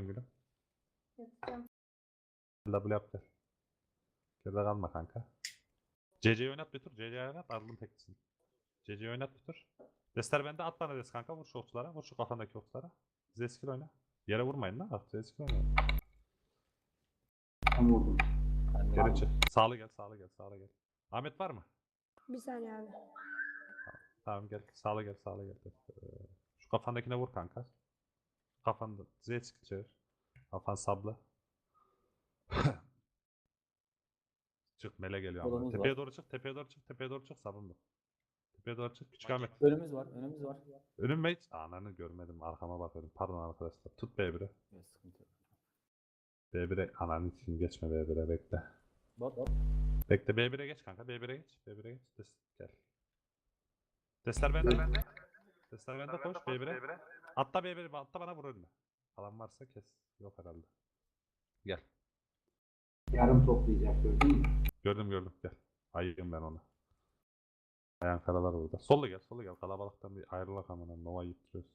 yapıyorsun gülüm? Yapacağım. W yap gel. Geride kalma kanka. CC'yi oynat bir tur. CC'yi oynat. Ardılım teklisin. CC'yi oynat bir tur. Destler bende. At bana des kanka. Vur şu okçulara. Vur şu kafandaki okçulara. Zeskil oyna. Yere vurmayın lan. Zeskil oyna. Tam vurdum. Geri çık. Sağlı gel. Sağlı gel. Sağlı gel. Ahmet var mı? Bir saniye abi. Tamam gel. Sağlı gel. Sağlı gel. Şu kafandakine vur kanka. Kafanda. Zeskil çevir. Kafan sablı. Çık mele geliyor ama. Kolumuz Tepeye var. doğru çık. Tepeye doğru çık. Tepeye doğru çık. Sabunlu. Tepeye doğru çık. Küçük Ahmet. Önümüz var. Önümüz var. Önüme hiç ananı görmedim. Arkama bakıyorum. Pardon arkadaşlar. Tut B1'i. Yok, sıkıntı yok. B1'e ananı için geçme B1'e bekle. Bot. Bekle B1'e geç kanka. B1'e geç. B1'e geç. Gel. Testler bende. Testler bende koş B1'e. Atla B1'e. Atla bana vur önüne. Falan varsa kes. Yok herhalde. Gel. Yarım toplayacak gördün mü? Gördüm. Gel. Ayıyım ben ona. Ayağın karalar burada. Solla gel. Kalabalıktan bir ayrılak amına. Nova yitiriyoruz.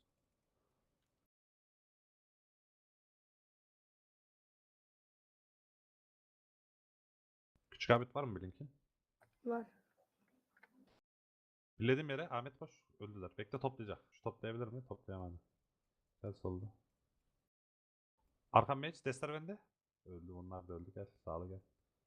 Küçük Ahmet var mı Blink'in? Var. Bilediğim yere Ahmet koş. Öldüler. Bekle toplayacak. Şu toplayabilir mi? Toplayamadı. Gel solda. Arkam meç. Destler bende. Öldü. Onlar da öldü. Gel. Sağlı gel.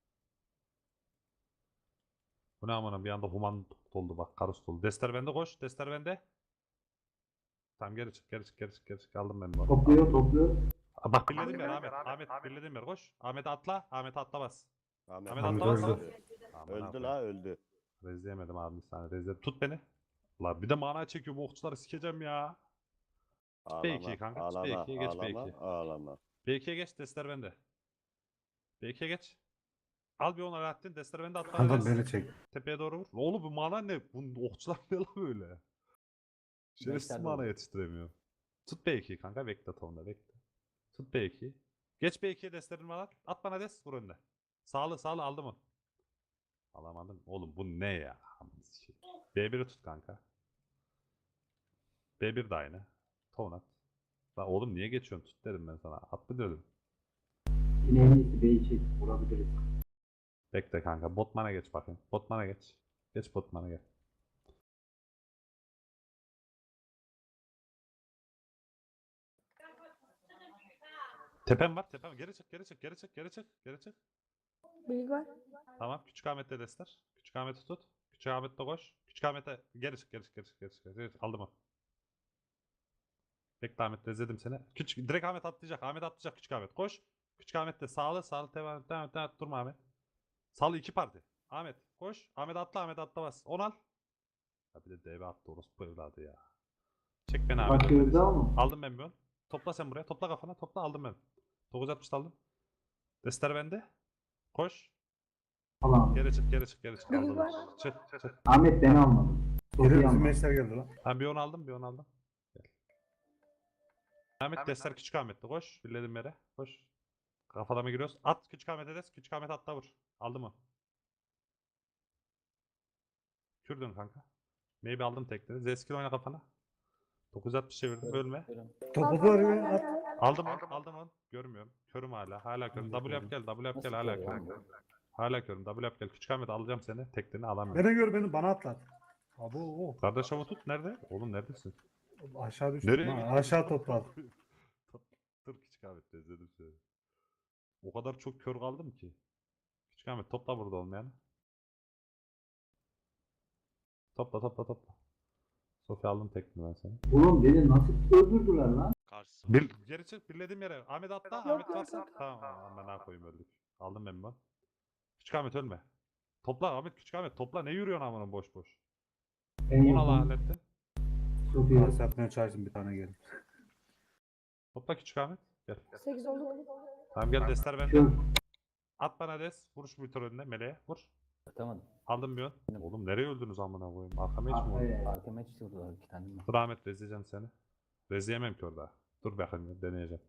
Bu ne amına bir anda human doldu bak. Karus doldu. Destler bende koş. Destler bende. Tamam geri çık. Aldım ben bunu. Topluyor. Bak birlediğim yer Ahmet. Birlediğim yer koş. Ahmet'e atla. Ahmet'e atla bas. Ahmet Ahmet öldü. atla bas. Öldü, Aman abi. la öldü. Rezleyemedim abi bir saniye. Rezledim. Tut beni. La bir de mana çekiyor bu okçuları sikeceğim ya. Ağlama, B2'ye kanka. ağlama, B2'ye geç ağlama, B2'ye. ağlama. B2'ye geç. Destler bende. B2'ye geç. Al bir 10 Alaaddin. Destler bende atla. Kanka beni çek. Tepeye doğru vur. Oğlum bu mana ne? Bu okçular ne lan böyle? Şerefsiz Beşler mana doğru. yetiştiremiyor. Tut B2'yi kanka. Bekle tonda bekle. Tut B2'yi. Geç B2'ye destlerini var. At bana des. Vur önüne. Sağlı aldı mı? Alamadım. Oğlum bu ne ya? B1'i tut kanka. B1 de aynı. Ton at. Lan oğlum niye geçiyorsun? Tut dedim ben sana. At mı dedim. Yine en iyisi B'yi çek. Vurabiliriz. Bekle kanka. Botman'a geç bakayım. Botman'a geç. Geç Botman'a gel. Tepem var. Geri çık. Bilgi var. Tamam. Küçük Ahmet'le destler. Küçük Ahmet'i tut. Küçük Ahmet'le koş. Küçük Ahmet'e geri çık. Aldım onu. Bekle Ahmet rezledim seni. Direkt Ahmet atlayacak. Küçük Ahmet koş. Küçük Ahmet de sağlı devam et. Durma Ahmet. Sağlı 2 parti. Ahmet koş. Ahmet atla bas. 10 al. Ya bir de DB attı orospu evladı ya. Çek beni Ahmet. Bakıyoruz ama. Aldım ben bir 10. Topla sen buraya. Topla kafana. Aldım ben. 960 aldım. Destler bende. Koş. Falan. Geri çık. Bilgi Aldım. var. Çık. Ahmet beni almadı. Çok Geri iyi bizim almadı. meşler geldi lan. Ben bir 10 aldım. Gel. Ahmet destler küçük Ahmet'te koş. Birledim yere. Koş. Kafalama giriyoruz. At küçük Ahmet'e des. Küçük Ahmet atla vur. Aldı mı? Kürdün kanka. Maybe aldım tekleri. Zeskil oyna kafana. 960 çevirdim. Ölme. Topu var ya at. Aldım onu. Görmüyorum. Körüm hala. Hala körüm. W yap gel. Hala Nasıl körüm. ya? Hala körüm. W yap gel. Küçük Ahmet alacağım seni. Teklerini alamıyorum. Beni gör beni bana atlat. Abo. Kardeş avı tut. Nerede? Oğlum neredesin? Aşağı düştüm. Nereye Ha, gittin? aşağı topladı. Dur Küçük Ahmet özledim seni. O kadar çok kör kaldım ki. Küçük Ahmet topla burada olmayanı. Topla. Sofya aldım tekniği ben seni. Oğlum beni nasıl öldürdüler lan? Karşısı. Geri çık birlediğim yere. Ahmet atla. Yok, Ahmet yok, varsa. yok. Tamam ben ne koyayım öldük. Aldım ben bunu. Küçük Ahmet ölme. Topla Ahmet Küçük Ahmet topla. Ne yürüyorsun amına boş. En Onu al yakın. hallettin. Çok iyi. Pas yapmaya çalıştım bir tane geldi. Topla Küçük Ahmet. Gel. 8 oldu. Tamam gel destler bende. Kör. At bana des. Vuruş bir tur önüne. Meleğe. Vur. Atamadım. Aldım bir ön. Oğlum nereye öldünüz amına koyayım? Arkama hiç mi oldu? Arkaya. Arkama hiç vurdular 2 tane. Dur Ahmet rezleyeceğim seni. Rezleyemem ki orada. Dur bakayım deneyeceğim.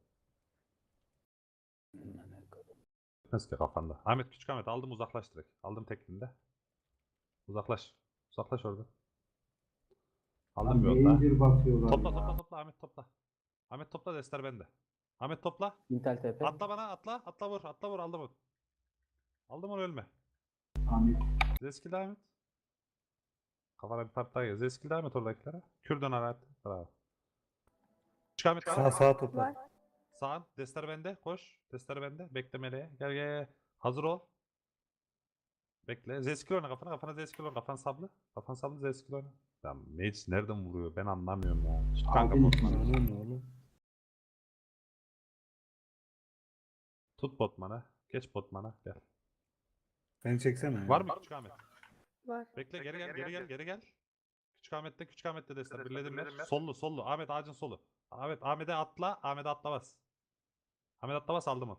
Nasıl ki kafanda. Ahmet Küçük Ahmet aldım uzaklaş direkt. Aldım teklinde. Uzaklaş. Uzaklaş orada. Aldım bir Lan onda. Major basıyorlar Topla ya. Ahmet topla. Ahmet topla destler bende. Ahmet topla. Intel TP. Atla bana atla. Atla vur. Atla vur. Aldım onu. Aldım onu ölme. Ahmet. Zeskil devam et. Kafana bir part daha gel. Zeskil devam et oradakilere. Kürdan arat. Bravo. Küçük Ahmet Sağ var. sağa topla. Var. Sağın. Destler bende. Koş. Destler bende. Bekle meleğe. Gel gel gel. Hazır ol. Bekle. Zeskil oyna kafana. Kafana Zeskil oyna. Kafan sablı. Kafan sablı Zeskil oyna. Ya Mage nereden vuruyor? Ben anlamıyorum ya. Tut kanka Abi, botmanı. Oğlum oğlum. Tut botmanı. Geç botmana. Gel. Beni çeksene. Var mı Küçük Ahmet? Var. Bekle geri gel geri gel geri gel. Küçük Ahmet'te destek. Birledim ben. Sollu sollu. Ahmet ağacın solu. Ahmet'e atla. Ahmet'e atla bas. Ahmet atla bas aldım onu.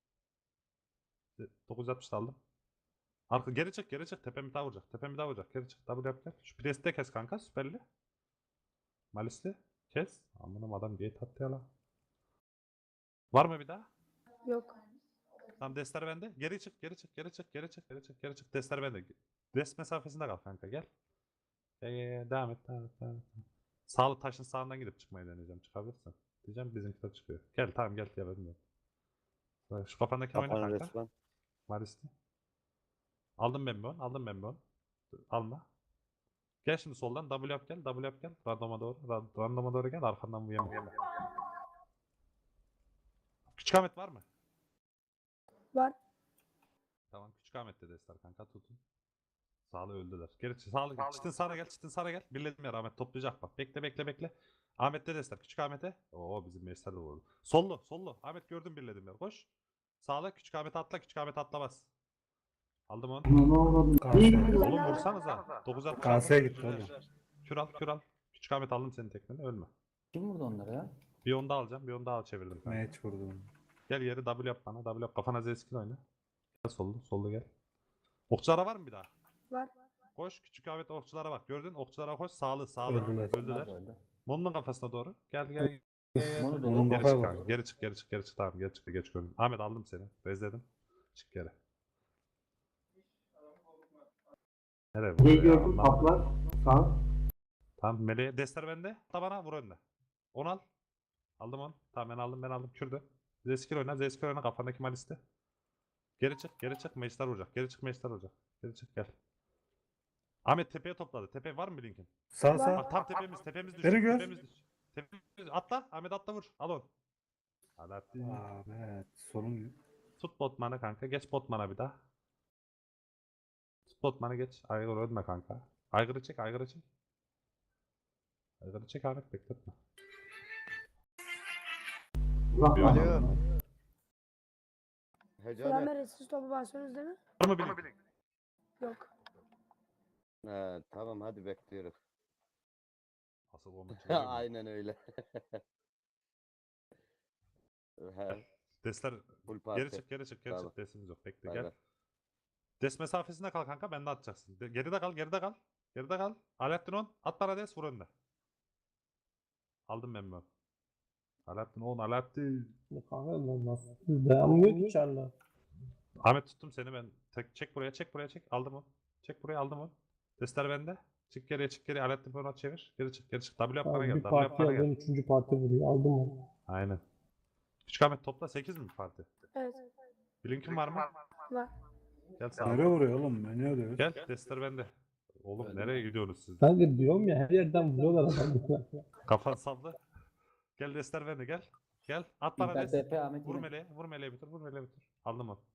960 aldım. Arka geri çık geri çık. Tepemi daha vuracak. Tepemi daha vuracak. Geri çık. Double yap gel. Şu presi de kes kanka. Süperli. Malisli. Kes. Amınım adam gate attı ya lan. Var mı bir daha? Yok. Tamam destler bende. Geri çık geri çık geri çık geri çık geri çık geri çık. Destler bende. Dest mesafesinde kal kanka gel. Devam et devam et devam et. Sağlı taşın sağından gidip çıkmayı deneyeceğim. Çıkabilirsin. Diyeceğim bizimkiler çıkıyor. Gel tamam gel ya bilmiyorum. Şu kafandaki oyna Kafanı kanka. resmen. Malisli. Aldım ben bir on. Aldım ben bir on. Alma. Gel şimdi soldan W yap gel. W yap gel. Randoma doğru. Randoma doğru gel. Arkandan bu yeme. Küçük Ahmet var mı? Var. Tamam Küçük Ahmet de destar kanka tutun. Sağlı öldüler. Geri sağlı gel. Çitin sağına gel. Çitin sağına gel. Birledim ya Ahmet toplayacak bak. Bekle bekle bekle. Ahmet de destar. Küçük Ahmet'e. Oo bizim meşler de vurdu. Sollu sollu. Ahmet gördüm birledim ya. Koş. Sağla Küçük Ahmet atla. Küçük Ahmet atla bas. Aldım onu. Ne oldu? Kalsın. Oğlum vursanıza. 9'a Kaseye gitti oğlum. Kür al kür al. Küçük Ahmet aldım senin tekmeni ölme. Kim vurdu onları ya? Bir onu da alacağım. Bir onu daha çevirdim. kanka. Match vurdu. Gel yeri W yap bana. W yap. Kafana Z-Skill oyna. Gel sollu. Sollu gel. Okçulara var mı bir daha? Var. Koş. Küçük Ahmet okçulara bak. Gördün. Okçulara koş. Sağlı. Sağlı. Öldüler. Öldüler. Öldü. Monu'nun kafasına doğru. Gel gel. Mono da Onun öldü. Geri kafaya çık bak. kanka. Geri çık. Geri çık. Geri çık. Tamam. Geri çık. Geç gördüm. Ahmet aldım seni. Rezledim. Çık geri. Nereye Ne vuruyor ya? gördün? Anlamadım. Kaplar. Sağ. Tamam. Meleğe destler bende. Hatta bana vur önüne. Onu al. Aldım onu. Tamam ben aldım. Kürdü. Zeskir oyna. Zeskir oyna. Kafandaki malisti. Geri çık. Geri çık. Meşler vuracak. Geri çık. Meşler vuracak. Geri çık gel. Ahmet tepeye topladı. Tepe var mı bir linkin? Sağ sağ. Bak tam tepemiz düştü. Beni gör. Tepemiz düştü. Tepemiz atla. Ahmet atla vur. Al onu. Alaaddin. Ahmet. Sorun. Tut botmanı kanka. Geç botmana bir daha. Tut botmanı geç. Aygır ölme kanka. Aygırı çek. Aygırı çek. Aygırı çek Ahmet bekletme. Bırak. Alo. Hecane. Selamlar. Siz topu basıyorsunuz değil mi? Var mı bir link? Yok. He, tamam hadi bekliyorum. Asıl bomba çıkıyor mu? Aynen öyle. He, Desler full parti. geri çık geri çık geri Tamam. çık. Desimiz yok. Bekle Bay gel. bay. Des mesafesinde kal kanka. Ben de atacaksın. Geride kal geride kal. Geride kal. Alaaddin on. At bana des vur önde. Aldım ben bunu. Alaaddin on. Alaaddin. Kanka nasıl dayanmıyor ki çarla. Ahmet tuttum seni ben. Çek buraya çek buraya çek. Aldım onu. Çek buraya aldım onu. Desler bende. Çık geriye çık geriye. Alaaddin bunu çevir. Geri çık geri çık. W yap bana Abi gel. bir W yap parti bana aldım, gel. üçüncü parti vuruyor. Aldım onu. Aynen. Küçük Ahmet topla 8 mi parti? Evet. Bir linkin var mı? Var. Gel sağ Nereye ol. vuruyor oğlum? Beni öldürüyor. Gel desler bende. Oğlum nereye gidiyorsunuz siz? Kanka diyorum ya her yerden vuruyorlar adamı. Kafan sallı. Gel desler bende gel. Gel at bana Intel des. TP Ahmet Vur yine. meleğe. Vur meleğe bitir. Vur meleğe bitir. Aldım onu.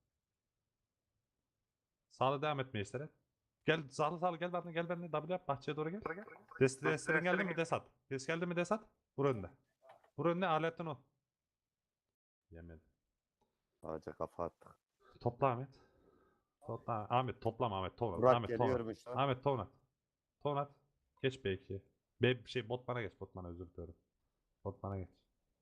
Sağla devam etmeye işlere. Gel sağlı gel bana gel benimle W yap bahçeye doğru gel. Destlerin geldi mi des at. Des geldi mi des at. Vur önüne. Vur önüne aletten o. Yemedim. Ağaca kafa attık. Topla Ahmet. Topla Ahmet toplama Ahmet tonat. Burak Ahmet tonat. geliyormuş lan. Ahmet tonat. Tonat. Geç B2'ye. Botman'a geç. Botman'a özür diliyorum. Botman'a geç.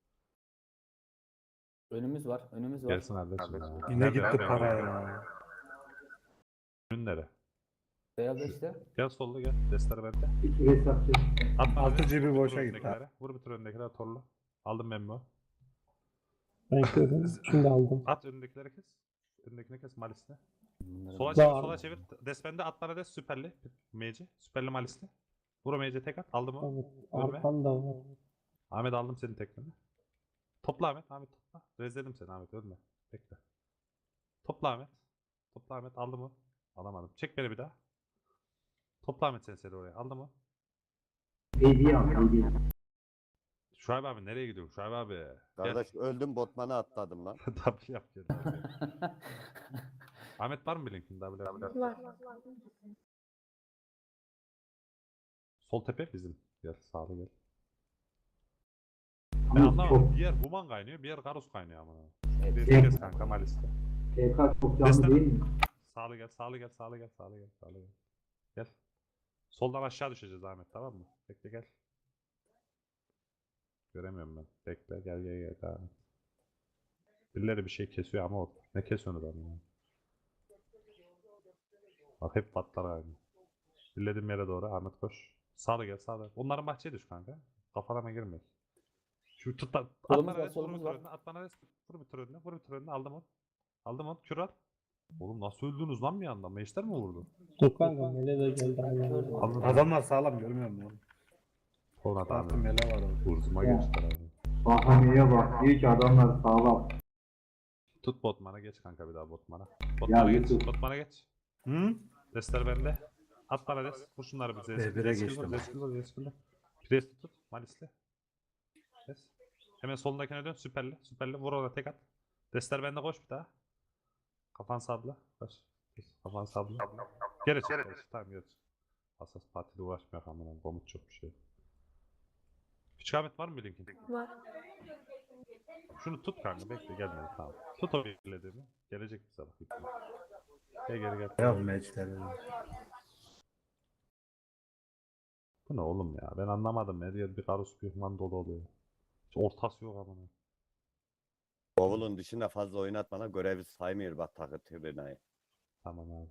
Önümüz var. Önümüz var. Gelsin kardeşim ya. Yine Nerede, gitti nerede, para nerede? ya. Ürünlere. Beyaz işte. Gel sollu gel. Destler bende. İki hesapçı. Atma Altı abi. cebi Vur boşa önündekilere. gitti. Vur bütün önündekiler torlu. Aldım ben bu. Ben gördüm. Şimdi aldım. At önündekileri kes. Önündekini kes Malis'le. Bunları Sola ben- çevir, Var. sola çevir. Desbende at bana des süperli. Meci. Süperli Malis'le. Vur o Meci tek at. Aldım onu. Evet, arkanda var. Ahmet aldım senin tekneni. Topla Ahmet. Ahmet topla. Rezledim seni Ahmet ölme. Bekle. Topla Ahmet. Topla Ahmet aldı mı? Alamadım. Çek beni bir daha. Topla Ahmet seni oraya. Aldı mı? Şuayb abi nereye gidiyor? Şuayb abi. Gel. Kardeş öldüm botmana atladım lan. W yap gel. Ahmet var mı bir linkin? W yap. Var. Sol tepe bizim. Gel sağlı gel. Ben anlamadım. Bir yer Human kaynıyor, bir yer Garus kaynıyor ama. Bir kes kanka Malis'te. TK çok Destek. değil mi? Sağlı gel, sağlı gel, sağlı gel, sağlı gel, sağlı gel. Gel. Soldan aşağı düşeceğiz Ahmet tamam mı? Bekle gel. Göremiyorum ben. Bekle gel gel gel. Devam et. Birileri bir şey kesiyor ama o. Ne kesiyorsunuz abi ya? Bak hep patlar abi. Birlediğim yere doğru Ahmet koş. Sağlı gel sağlı. Onların bahçeye düş kanka. Kafalarına girme. Şu tut at Solumuz bana var, res, vur solumuz bir var. türünde, at bana res, vur bir türünde, vur bir türünde, aldım onu. Aldım onu, kür al. Oğlum nasıl öldünüz lan bir anda? Meşter mi vurdu? Dur kanka Mele de geldi aynen. Aldım. Adamlar sağlam görmüyor musun? Sonra Farklı tamam. mele var orada. Urzuma geçtiler abi. Bahaneye bak. Diyor ki adamlar sağlam. Tut botmana geç kanka bir daha botmana. Ya Botmana geç, Yusuf. botmana geç. Hı? Destler bende. At bana des. Vur şunları bir zeskil. B1'e geçtim. Zeskil. Priest'i tut. Malis'le. Des. Hemen solundakine dön. Süperli. Süperli. Vur ona tek at. Destler bende koş bir daha. Kafan sabla. Koş. Kafan sabla. Geri çık. Geri çık. Tamam geri çık. Asas partide uğraşmıyor kamera. Komut çok bir şey. Küçük Ahmet var mı bir linkin? Var. Şunu tut kanka. Bekle gelmedi. Tamam. Tut o birlediğimi. Gelecek bir sabah. Gel geri gel. Ya meçleri. Bu ne oğlum ya? Ben anlamadım. Her yer bir karus bir human dolu oluyor. Hiç ortası yok ama. Bavulun dışında fazla oynatmana görevi saymıyor bak takı tribünayı. Tamam abi.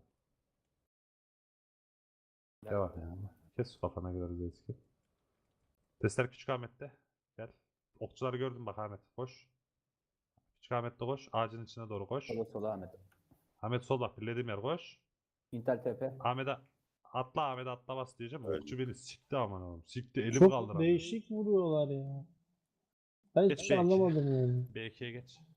Devam yani. Kes kafana göre eski. Testler Küçük Ahmet'te. Gel. Okçuları gördüm bak Ahmet. Koş. Küçük Ahmet'te koş. Ağacın içine doğru koş. Sola Ahmet. Ahmet sol bak. Birlediğim yer koş. Intel TP. Ahmet'e Ahmet'e atla bas diyeceğim. Öyle. Okçu beni sikti aman oğlum. Sikti elim Çok kaldıramıyor. değişik vuruyorlar ya. Ben Geç hiçbir şey belki. anlamadım yani. B2'ye geç.